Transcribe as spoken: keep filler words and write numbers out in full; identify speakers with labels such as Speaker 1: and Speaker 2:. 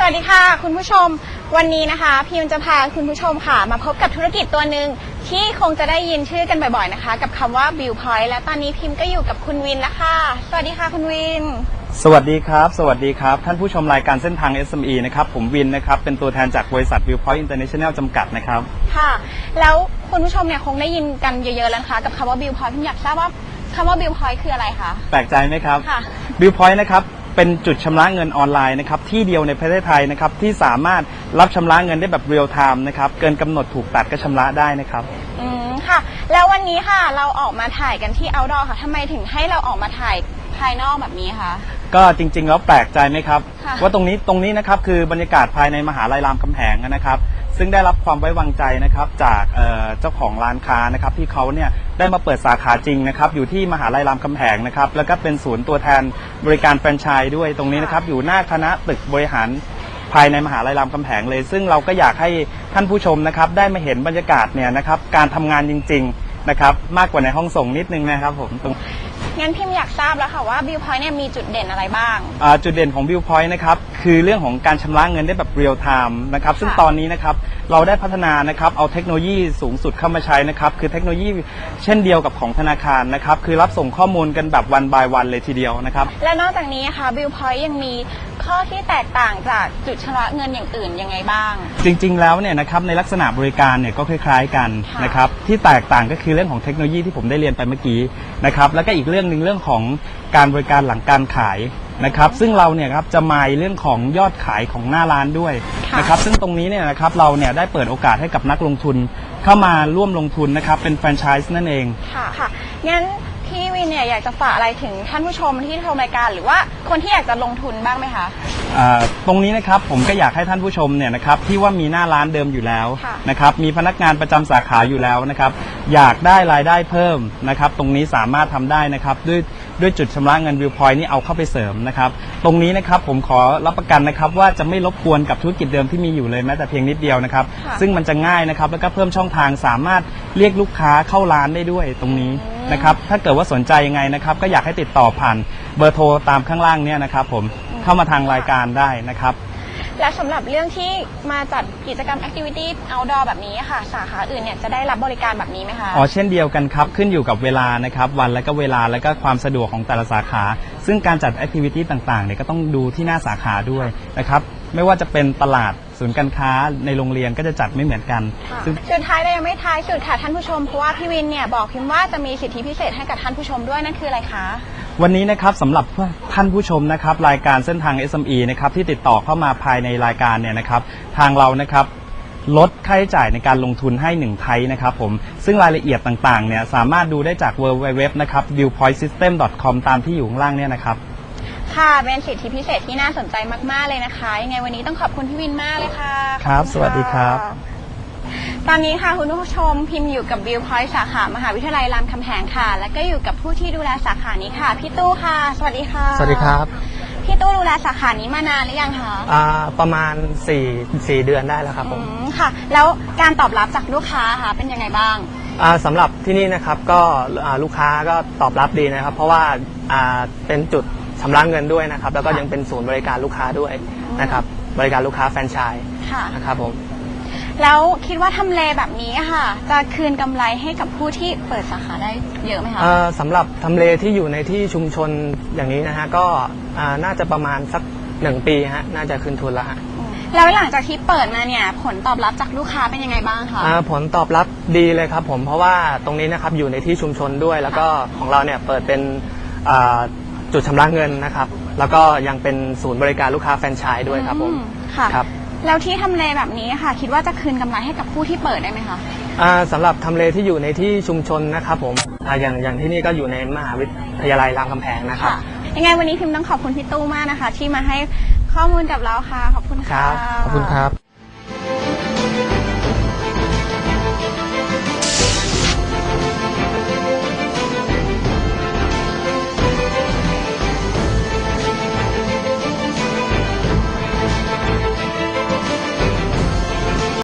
Speaker 1: วัสดีค่ะคุณผู้ชมวันนี้นะคะพิมจะพาคุณผู้ชมค่ะมาพบกับธุรกิจตัวหนึ่งที่คงจะได้ยินชื่อกันบ่อยๆนะคะกับคำว่า View Point และตอนนี้พิมก็อยู่กับคุณวินแล้วค่ะสวัสดีค่ะคุณวิน
Speaker 2: สวัสดีครับสวัสดีครับท่านผู้ชมรายการเส้นทาง เอส เอ็ม อี นะครับผมวินนะครับเป็นตัวแทนจากบริษัท View Point International จำกัดนะครับ
Speaker 1: ค่ะแล้วคุณผู้ชมเนี่ยคงได้ยินกันเยอะๆแล้วนะคะกับคำว่า View Point พิมอยากทราบว่าคำว่า View Point คืออะไรคะ
Speaker 2: แปลกใจไหมครับ
Speaker 1: ค่ะ
Speaker 2: View Point นะครับเป็นจุดชำระเงินออนไลน์นะครับที่เดียวในประเทศไทยนะครับที่สามารถรับชำระเงินได้แบบเรียลไทม์นะครับเกินกำหนดถูกตัดก็ชำระได้นะครับ
Speaker 1: อืมค่ะแล้ววันนี้ค่ะเราออกมาถ่ายกันที่ outdoor ค่ะทำไมถึงให้เราออกมาถ่ายภายนอกแบบนี้คะ
Speaker 2: ก็จริงๆแล้วแปลกใจไหมครับว่าตรงนี้ตรงนี้นะครับคือบรรยากาศภายในมหาลัยรามคำแหงนะครับซึ่งได้รับความไว้วางใจนะครับจากเจ้าของร้านค้านะครับที่เขาเนี่ยได้มาเปิดสาขาจริงนะครับอยู่ที่มหาลัยรามคำแหงนะครับแล้วก็เป็นศูนย์ตัวแทนบริการแฟรนไชส์ด้วยตรงนี้นะครับอยู่หน้าคณะตึกบริหารภายในมหาลัยรามคำแหงเลยซึ่งเราก็อยากให้ท่านผู้ชมนะครับได้มาเห็นบรรยากาศเนี่ยนะครับการทำงานจริงๆนะครับมากกว่าในห้องส่งนิดนึงนะครับผมตรง
Speaker 1: งั้นพิมอยากทราบแล้วค่ะว่า View Point เนี่ยมีจุดเด่นอะไรบ้าง
Speaker 2: จุดเด่นของ View Point นะครับคือเรื่องของการชำระเงินได้แบบเรียลไทม์นะครับซึ่งตอนนี้นะครับเราได้พัฒนานะครับเอาเทคโนโลยีสูงสุดเข้ามาใช้นะครับคือเทคโนโลยีเช่นเดียวกับของธนาคารนะครับคือรับส่งข้อมูลกันแบบวันบายวันเลยทีเดียวนะครับ
Speaker 1: และนอกจากนี้ค่ะ View Point ยังมีข้อที่แตกต่างจากจุดชำระเงินอย่างอื่นยังไงบ้าง
Speaker 2: จริงๆแล้วเนี่ยนะครับในลักษณะบริการเนี่ยก็คล้ายๆกันนะครับที่แตกต่างก็คือเรื่องของเทคโนโลยีที่ผมได้เรียนไปเมื่อกี้นะครับแล้วก็อีกเรื่องหนึ่งเรื่องของการบริการหลังการขายนะครับซึ่งเราเนี่ยครับจะมายเรื่องของยอดขายของหน้าร้านด้วยนะครับซึ่งตรงนี้เนี่ยนะครับเราเนี่ยได้เปิดโอกาสให้กับนักลงทุนเข้ามาร่วมลงทุนนะครับเป็นแฟรนไชส์นั่นเอง
Speaker 1: ค่ะค่ะงั้นพี่วินเนี่ยอยากจะฝากอะไรถึงท่านผู้ชมที่ชมรายการหรือว่าคนที่อยากจะลงทุนบ้างไหมคะ
Speaker 2: ตรงนี้นะครับผมก็อยากให้ท่านผู้ชมเนี่ยนะครับที่ว่ามีหน้าร้านเดิมอยู่แล้วนะครับมีพนักงานประจำสาขาอยู่แล้วนะครับอยากได้รายได้เพิ่มนะครับตรงนี้สามารถทำได้นะครับด้วยด้วยจุดชำระเงิน View Point นี่เอาเข้าไปเสริมนะครับตรงนี้นะครับผมขอรับประกันนะครับว่าจะไม่รบกวนกับธุรกิจเดิมที่มีอยู่เลยแม้แต่เพียงนิดเดียวนะครับซึ่งมันจะง่ายนะครับแล้วก็เพิ่มช่องทางสามารถเรียกลูกค้าเข้าร้านได้ด้วยตรงนี้นะครับถ้าเกิดว่าสนใจยังไงนะครับก็อยากให้ติดต่อผ่านเบอร์โทรตามข้างล่างเนี่ยนะครับผมเข้ามาทางรายการได้นะครับ
Speaker 1: และสำหรับเรื่องที่มาจัดกิจกรรม Activity Outdoor แบบนี้ค่ะสาขาอื่นเนี่ยจะได้รับบริการแบบนี้ไหมคะ
Speaker 2: อ๋อเช่นเดียวกันครับขึ้นอยู่กับเวลานะครับวันและก็เวลาและก็ความสะดวกของแต่ละสาขาซึ่งการจัด Activity ต่างๆเนี่ยก็ต้องดูที่หน้าสาขาด้วยนะครับไม่ว่าจะเป็นตลาดศูนย์การค้าในโรงเรียนก็จะจัดไม่เหมือนกัน
Speaker 1: สุดท้ายแต่ยังไม่ท้ายสุดค่ะท่านผู้ชมเพราะว่าพี่วินเนี่ยบอกพิมว่าจะมีสิทธิพิเศษให้กับท่านผู้ชมด้วยนั่นคืออะไรคะ
Speaker 2: วันนี้นะครับสำหรับท่านผู้ชมนะครับรายการเส้นทาง เอส เอ็ม อี นะครับที่ติดต่อเข้ามาภายในรายการเนี่ยนะครับทางเรานะครับลดค่าใช้จ่ายในการลงทุนให้หนึ่งไทยนะครับผมซึ่งรายละเอียดต่างๆเนี่ยสามารถดูได้จาก ดับเบิลยู ดับเบิลยู ดับเบิลยู นะครับ วิว พอยต์ ซิสเต็ม ดอท คอม ตามที่อยู่ข้างล่างเนี่ยนะครับ
Speaker 1: ค่ะเป็นสิทธิพิเศษที่น่าสนใจมากๆเลยนะคะยังไงวันนี้ต้องขอบคุณพี่วินมากเลยค่ะ
Speaker 2: ครับสวัสดีครับ
Speaker 1: ตอนนี้ค่ะคุณผู้ชมพิมพ์อยู่กับ View Point สาขามหาวิทยาลัยรามคำแหงค่ะและก็อยู่กับผู้ที่ดูแลสาขานี้ค่ะพี่ตู้ค่ะสวัสดีค่ะ
Speaker 3: สวัสดีครับ
Speaker 1: พี่ตู้ดูแลสาขานี้มานานหรือยังคะ
Speaker 3: อ่าประมาณสี่สี่เดือนได้แล้วครับผม
Speaker 1: ค่ะแล้วการตอบรับจากลูกค้าค่ะเป็นยังไงบ้าง
Speaker 3: อ่าสำหรับที่นี่นะครับก็ลูกค้าก็ตอบรับดีนะครับเพราะว่าอ่าเป็นจุดชำระเงินด้วยนะครับแล้วก็ยังเป็นศูนย์บริการลูกค้าด้วยนะครับบริการลูกค้าแฟรนไชส์นะครับผม
Speaker 1: แล้วคิดว่าทำเลแบบนี้ค่ะจะคืนกำไรให้กับผู้ที่เปิดสาขาได้เยอะไหมคะ
Speaker 3: สำหรับทำเลที่อยู่ในที่ชุมชนอย่างนี้นะฮะก็น่าจะประมาณสักหนึ่งปีฮะน่าจะคืนทุนแล้วฮะ
Speaker 1: แล้วหลังจากที่เปิดมาเนี่ยผลตอบรับจากลูกค้าเป็นยังไงบ้างคะ
Speaker 3: ผลตอบรับดีเลยครับผมเพราะว่าตรงนี้นะครับอยู่ในที่ชุมชนด้วยแล้วก็ของเราเนี่ยเปิดเป็นจุดชำระเงินนะครับแล้วก็ยังเป็นศูนย์บริการลูกค้าแฟรนไชส์ด้วยครับผม
Speaker 1: ค่ะครับแล้วที่ทำเลแบบนี้ค่ะคิดว่าจะคืนกำไรให้กับผู้ที่เปิดได้ไหมคะ
Speaker 3: สำหรับทำเลที่อยู่ในที่ชุมชนนะครับผมอย่างอย่างที่นี่ก็อยู่ในมหาวิทยาลัยรามคำแหงนะครับ
Speaker 1: ยังไงวันนี้พิมพ์ต้องขอบคุณพี่ตู้มากนะคะที่มาให้ข้อมูลกับเราค่ะขอบคุณค่ะ
Speaker 3: ขอบคุณครับ